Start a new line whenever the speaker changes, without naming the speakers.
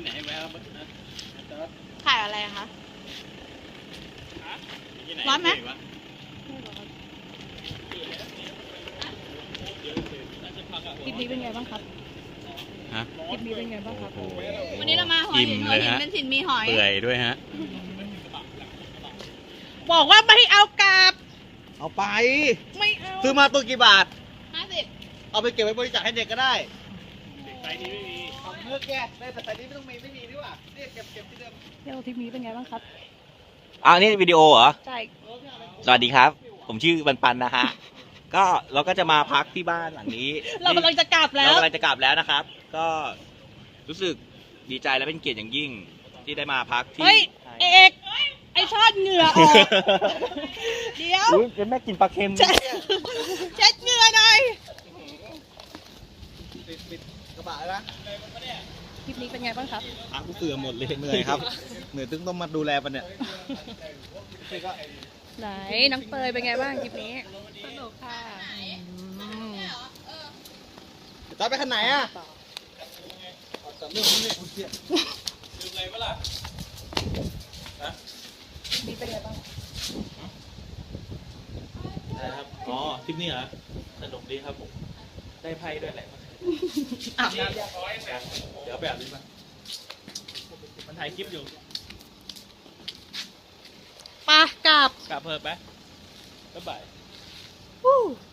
ที่ไหนแวะครับ
ถ่ายอะไรอะคะร้อนไหมคลิปนี้เป็นไงบ้างครับ
ฮะ
คลิปนี้เป็นไงบ้างครับ
โอ้โห
วันนี้เรามาหัวหิน
อิ่ม
หัว
เลย
หิน
ฮะ
เป็นถิ่นมีหอย
เปื่อยด้วยฮะ
บอกว่าไม่ให้เอากลับ
เอาไป
ไม่เอา
ซื้อมาตัวกี่บาท
50
เอาไปเก็บไว้บริจาคให้เด็กก็ได้
ไซส์นี้ไม่มี
เอาเมื่อแกได้แต่ไซส์นี้ไม่ต้องมีไม่มีดีกว่าเนี่ยเก็บที่เดิม
เที่ยวทริปนี้เป็นไงบ้างครับ
นี่วิดีโอเหรอ
ใช่
สวัสดีครับ ผมชื่อปันนะฮะ ก็เราก็จะมาพักที่บ้านหลังนี้
เรากำลังจะกลับแล้ว
เรากำลังจะกลับแล้วนะครับ ก็รู้สึกดีใจและเป็นเกียรติอย่างยิ่งที่ได้มาพักที่
เฮ้ย เอกไอชอดเหงื่อออก เดี๋ยว
อุ๊ยเป็นแม่กินปลาเค็ม
เช็ดเหงื่อหน่อย
ปิดกระบะแล้วนะ
คลิปนี้เป็นไงบ้างครับ
อากูเสื่อมหมดเลยเหนื่อยครับ เหนื่อยตึงต้องมาดูแลมันเนี่ย
ไหนน้องเตยเป็นไงบ้างคลิปนี้สนุกค่ะ
ตอนไปคันไหนอ่ะ
นี่เป็นไงบ้าง
นะครับอ๋อทริปนี้เหรอสนุกดีครับผมได้ไพ่ด้วยแหละ
อาบน้ำ
เดี๋ยวแบบนี้มามันถ่ายคลิปอยู่
ปะกลับ
กลับเพิ่มไหมบ๊ายบาย
Woo